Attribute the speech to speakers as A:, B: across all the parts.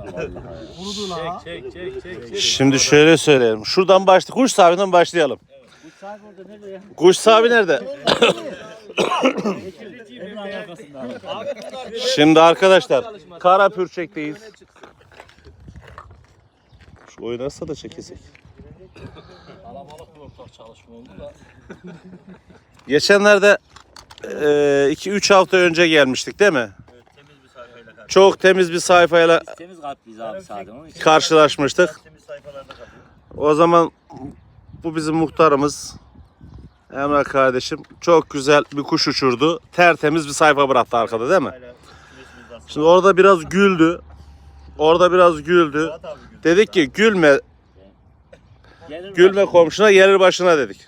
A: Kurudu la. Çek.
B: Şimdi şöyle söyleyelim. Şuradan kuş sahibinden başlayalım.
C: Kuş sahibi orada nerede ya?
B: Kuş sahibi nerede? Şimdi arkadaşlar kara pürçekteyiz. Şu oynarsa da çekesek.
C: Kalabalık bir ortak çalışma oldu da.
B: Geçenlerde 2-3 hafta önce gelmiştik değil mi?
C: Evet, temiz bir sayfayla karşı.
B: Çok temiz bir sayfayla
C: Biz temiz kalpliyiz abi sadece onun için.
B: karşılaşmıştık.
C: Temiz sayfalarda kalıyor.
B: O zaman bu bizim muhtarımız Emrah kardeşim çok güzel bir kuş uçurdu. Tertemiz bir sayfa bıraktı arkada değil mi? Şimdi orada biraz güldü. Dedik ki gülme komşuna gelir başına dedik.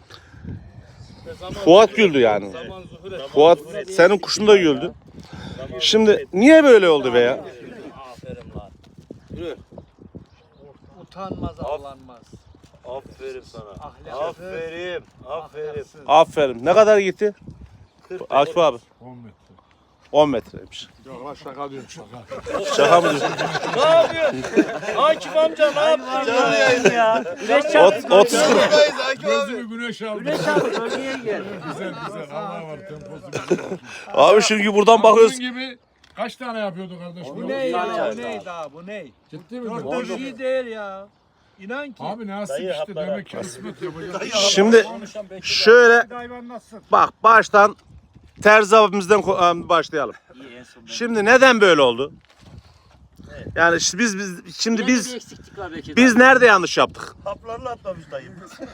B: Fuat güldü yani. Fuat senin kuşun da güldü. Şimdi niye böyle oldu be ya?
C: Aferin lan. Yürü.
A: Utanmaz ağlanmaz.
D: Aferin sana.
A: Ahlak.
D: Aferin.
B: Aferin. Ne kadar gitti? Akif abi.
A: 10 metre.
B: 10 metreymiş.
A: Yok lan şaka diyorum şaka.
B: Şaka mı diyorsun?
D: Ne yapıyorsun? Akif amca ne yapıyorsun?
C: Canlı yayın ya. Güneş çarptı.
B: 30
A: Gözümü güneş aldı.
C: Güneş çarptı. Bölgeye gel.
A: Güzel. Allah var temposu güzel.
B: Abi şimdi buradan bakıyoruz.
A: Bunun gibi kaç tane yapıyordu kardeş?
C: Bu ne ya? Bu ne?
E: Bu ne?
A: Ciddi mi?
E: Dört iyi değil ya. İnan ki.
A: Abi nasip
D: Dayı,
A: işte
D: haplara.
A: demek ki kısmet yapacak.
B: Şimdi şöyle
A: Hayvan nasıl?
B: bak baştan Terzi abimizden başlayalım.
C: İyi en son.
B: Şimdi neden böyle oldu? Yani işte biz
C: eksiklik var belki.
B: biz nerede yanlış yaptık?
D: Haplarla atlamış dayım.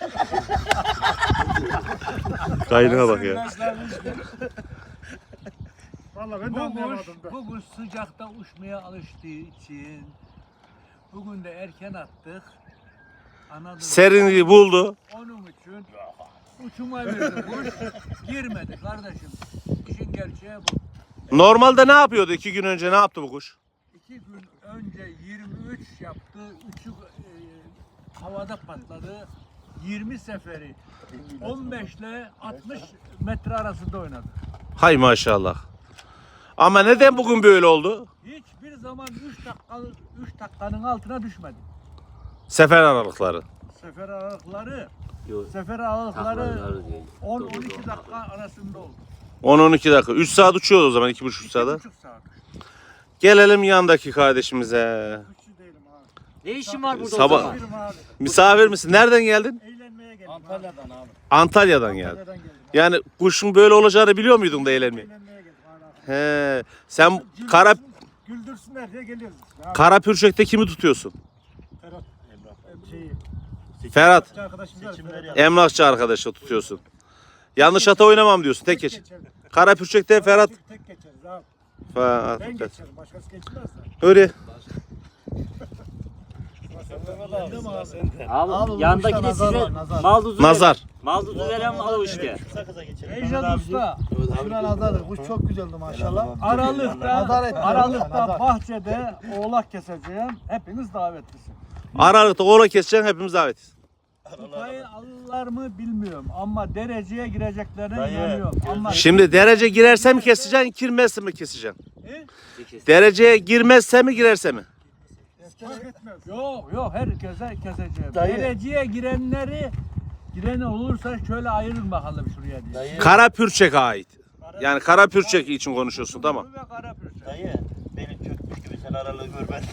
B: Kaynağa bak ya.
A: Valla ben de anlayamadım da.
E: Bu kuş sıcakta uçmaya alıştığı için bugün de erken attık. Anladın mı?
B: Serinliği buldu.
E: Onun için uçuma verdi kuş. Girmedi kardeşim. İşin gerçeği bu.
B: Normalde ne yapıyordu 2 gün önce ne yaptı bu kuş?
E: 2 gün önce 23 yaptı. 3'ü havada patladı. 20 seferi 15 ile 60 metre arasında oynadı.
B: Hay maşallah. Ama neden bugün böyle oldu?
E: Hiçbir zaman 3 dakikanın altına düşmedi.
B: Sefer aralıkları.
E: Sefer aralıkları
C: Yok.
E: sefer aralıkları
C: Taklarlar diye.
E: 10-12 dakika arasında oldu.
B: 10-12 dakika. 3 saat uçuyordu o zaman 2,5 saat.
E: 2,5 saat.
B: Gelelim yandaki kardeşimize.
E: Kuşçu değilim abi.
C: Ne işin var burada
B: Sabah-
C: o zaman?
E: Birim abi.
B: Misafir misin? Nereden geldin?
E: Eğlenmeye geldim.
A: Antalya'dan abi.
B: Antalya'dan geldin.
E: Antalya'dan geldim.
B: Yani kuşun böyle olacağını biliyor muydun da eğlenmeyi?
E: Eğlenmeye geldim.
B: He. Sen
E: Güldürsünler diye geliyoruz. Ya,
B: kara pürçekte kimi tutuyorsun?
E: şeyi,
B: Ferhat.
E: arkadaşımız var.
D: Seçimleri yap.
B: Emlakçı arkadaşla tutuyorsun. Yanlış ata oynamam diyorsun. Tek geç.
E: geçerim.
B: Kara pürçekte Ferhat.
E: Tek geçeriz abi.
B: Ferhat.
E: Ben geçerim. Başkası geçmez de.
B: Öyle.
C: Abi yandaki de size mal duzu
B: Nazar.
C: veren. Mal duzu veren mal o işte.
D: Sakıza geçelim.
E: Ejad Usta.
A: Şuna nazar. Kuş çok güzeldi maşallah.
E: Aralıkta bahçede oğlak keseceğim. Hepiniz davetlisiniz.
B: Aralıkta oğla keseceksin hepimiz davetiz.
E: Kupayı alırlar mı bilmiyorum ama dereceye gireceklerine
D: Dayı.
E: inanıyorum. Ama
B: Şimdi derece girerse mi keseceksin, girmezse mi keseceksin?
C: Peki.
B: Dereceye girmezse mi, girerse mi?
E: yok herkese keseceğim.
D: Dayı.
E: Dereceye giren olursa şöyle ayırın bakalım şuraya diye.
D: Dayı.
B: Kara pürçek ait. Yani kara pürçek için konuşuyorsun tamam.
E: Ve kara pürçek.
D: Dayı. Beni çökmüş gibi sen aralığı gör ben.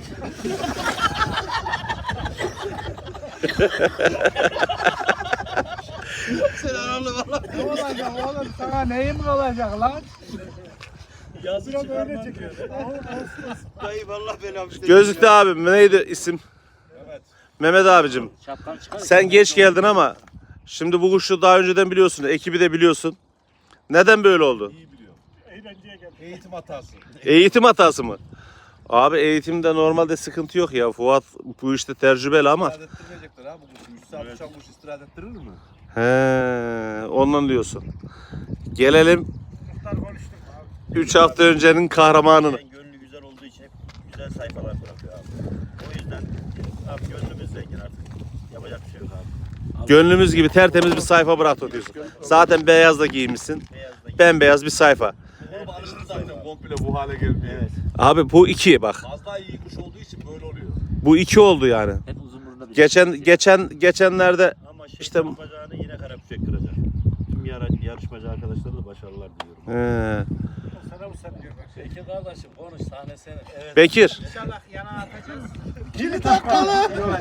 D: Sen aralığı valla.
E: Ne olacak oğlum sana neyim olacak lan?
D: Yazı
E: Biraz öyle
D: çıkarmam.
E: çekiyor.
D: Dayı valla belam işte.
B: Gözlüklü abim neydi isim? Mehmet abicim.
C: Şapkanı çıkar.
B: Sen geç geldin ama şimdi bu kuşu daha önceden biliyorsun. Ekibi de biliyorsun. Neden böyle oldu?
E: Eğlenceye gel.
A: Eğitim hatası.
B: Eğitim hatası mı? Abi eğitimde normalde sıkıntı yok ya. Fuat bu işte tecrübeli ama.
A: İstirahat ettirmeyecekler ha bu kuşu. 3 saat uçan kuş istirahat ettirir mi?
B: He, ondan diyorsun. Gelelim
E: Muhtar konuştuk abi.
B: 3 hafta öncenin kahramanını.
D: Gönlü güzel olduğu için hep güzel sayfalar bırakıyor abi. O yüzden abi gönlümüz zengin artık. Yapacak bir şey yok abi.
B: Gönlümüz gibi tertemiz bir sayfa bıraktı diyorsun. Zaten beyaz da giymişsin.
D: Beyaz da
B: Bembeyaz bir sayfa.
A: Oğlum alıştı zaten komple bu hale gelmeye.
D: Evet.
B: Abi bu 2 bak.
A: Az daha iyi kuş olduğu için böyle oluyor.
B: Bu 2 oldu yani.
C: Hep uzun burunda bir
B: Geçenlerde
D: Ama
B: İşte-
D: işte bacağını yine karapüşek kıracak. Tüm yarışmacı arkadaşlara da başarılar diliyorum.
A: Sana bu sen diyor.
C: Peki kardeşim konuş sahne senin. Evet.
B: Bekir,
E: İnşallah yana atacağız.
A: Kilit atmalı.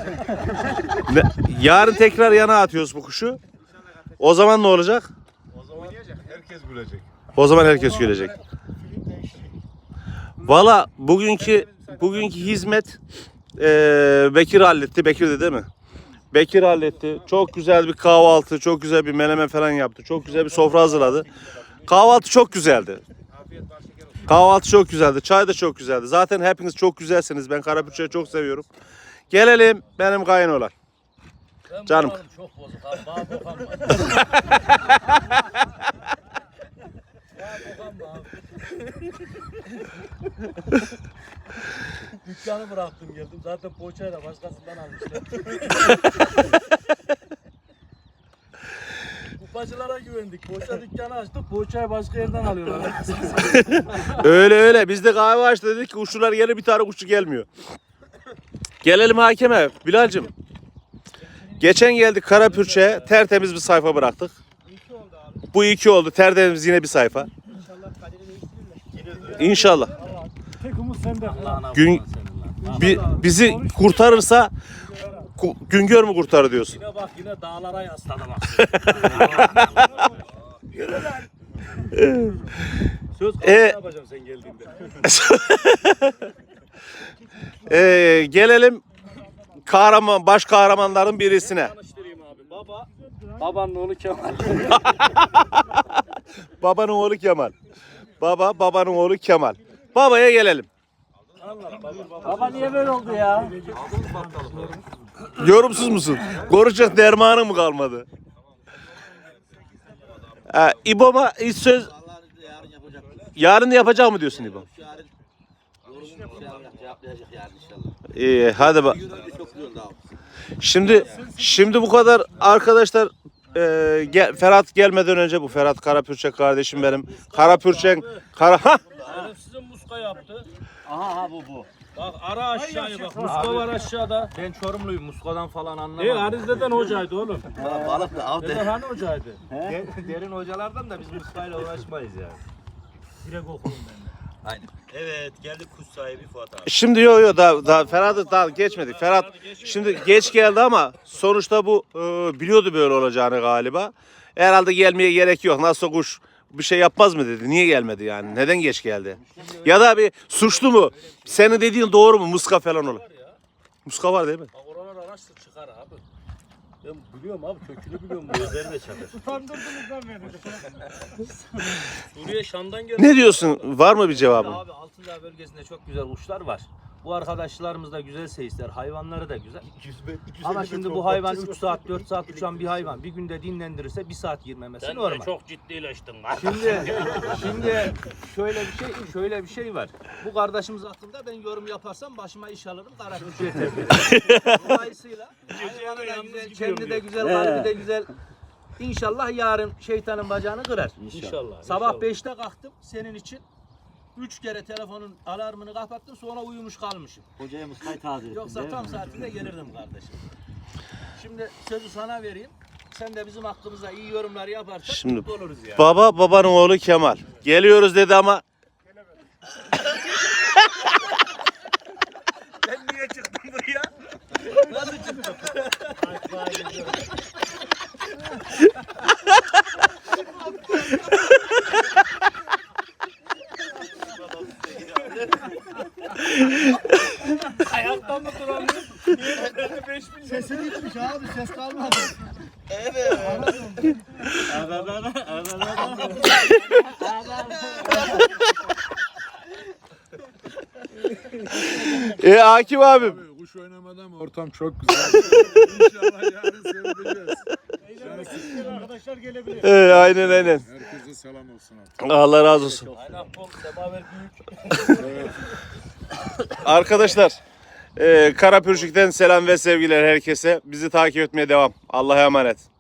B: yarın tekrar yana atıyoruz bu kuşu. O zaman ne olacak?
A: O zaman herkes gülecek.
B: O zaman herkes gülecek. Valla bugünkü hizmet Bekir halletti. Bekir'di değil mi? Bekir halletti. Çok güzel bir kahvaltı, çok güzel bir menemen falan yaptı. Çok güzel bir sofra hazırladı. Kahvaltı çok güzeldi. Kahvaltı çok güzeldi. Çay da çok güzeldi. Zaten hepiniz çok güzelsiniz. Ben Karapürçek'i çok seviyorum. Gelelim benim kayınoğlan.
C: Ben
B: Canım.
C: moralim çok bozuk abi. Bana dokanma. Bana dokanma abi. Dükkanı bıraktım geldim. Zaten poğaçayı da başkasından almışlar. Kupacılara güvendik. Poğaça dükkanı açtık. Poğaçayı başka yerden alıyorlar.
B: Öyle. Biz de kahve açtı dedik ki kuşçular gelir, bir tane kuşçu gelmiyor. Gelelim hakeme. Bilal'cim. Geçen geldik Karapürçek'e, tertemiz bir sayfa bıraktık. Bu 2 oldu. Tertemiz yine bir sayfa. İnşallah.
A: Tek umut sende.
C: Allah'ına
B: Gün-
C: kurban senin lan.
B: Bizi kurtarırsa Güngör mü kurtarır diyorsun?
C: Yine bak yine dağlara yasladı bak. Söz
B: E-
C: yapacağım sen geldiğinde.
B: Gelelim baş kahramanların birisine.
C: Tanıştırayım abi. Babanın oğlu Kemal.
B: Babanın oğlu Kemal. Babanın oğlu Kemal. Babaya gelelim.
C: Baba niye böyle oldu ya?
B: Yorumsuz musun? Konuşacak dermanın mı kalmadı? İbo'ma hiç söz... Yarın yapacak mı diyorsun İbo?
D: Cevaplayacak yani inşallah.
B: İyi, hadi bak.
D: Çok güzel abi.
B: Şimdi bu kadar arkadaşlar, Ferhat gelmeden önce, bu Ferhat Karapürçek kardeşim benim. Karapürçek
C: Sizin muska yaptı. Aha bu. Bak ara aşağıya bak. Muska var aşağıda.
E: Ben Çorumluyum. Musko'dan falan anlamam.
C: Harizde'den hocaydı oğlum.
D: Balık da av
C: Deden hani hocaydı?
E: Derin hocalardan da biz Musko'yla uğraşmayız yani.
C: Direkt okurum ben.
D: Aynen. Evet geldik kuş sahibi Fuat abi.
B: Şimdi yok daha Ferhat'ı daha geçmedik. Ferhat şimdi geç geldi ama sonuçta bu biliyordu böyle olacağını galiba. Herhalde gelmeye gerek yok. Nasıl kuş bir şey yapmaz mı dedi. Niye gelmedi yani? Neden geç geldi? Ya da bir suçlu mu? Senin dediğin doğru mu? Muska falan olur. Muska var değil mi?
C: Bak oralar araştır çıkar abi. Ben biliyorum abi kökünü biliyorum. Gözleri de çakır.
A: Utandırdınız lan beni.
C: Suriye Şam'dan geldi.
B: Ne diyorsun? Var mı bir cevabın?
E: Abi Altındağ bölgesinde çok güzel kuşlar var. Bu arkadaşlarımız da güzel seyisler. Hayvanları da güzel. Ama şimdi bu hayvan 3 saat 4 saat uçan bir hayvan. Bir günde dinlendirirse 1 saat girmemesi
C: Sen
E: normal.
C: de çok ciddileştin lan.
E: Şimdi şöyle bir şey var. Bu kardeşimiz hakkında ben yorum yaparsam başıma iş alırım. Karapürçek'e tebrik ederim. Dolayısıyla hayvanı da güzel, kendi de güzel, kalbi de güzel. İnşallah yarın şeytanın bacağını kırar.
C: İnşallah.
E: Sabah 5'te kalktım senin için. 3 kere telefonun alarmını kapattım, sonra uyumuş kalmışım.
D: Hocaya muskayı taze ettin.
E: Yoksa tam saatinde gelirdim kardeşim. Şimdi sözü sana vereyim. Sen de bizim hakkımızda iyi yorumlar yaparsan
B: Şimdi
E: mutlu oluruz yani.
B: babanın oğlu Kemal. Geliyoruz dedi ama
E: Ben niye çıktım buraya? Nasıl çıktım?
C: Ayakta mı duramıyor?
A: Sesi gitmiş abi. Ses kalmadı.
B: Akif abim.
A: Kuş oynamadan mı? Ortam çok güzel. İnşallah yarın sevineceğiz. Arkadaşlar gelebilir.
B: Aynen.
A: Herkese selam olsun artık.
B: Allah razı olsun.
C: Aynen bol semaver büyük.
B: Arkadaşlar, Karapürçek'ten selam ve sevgiler herkese. Bizi takip etmeye devam. Allah'a emanet.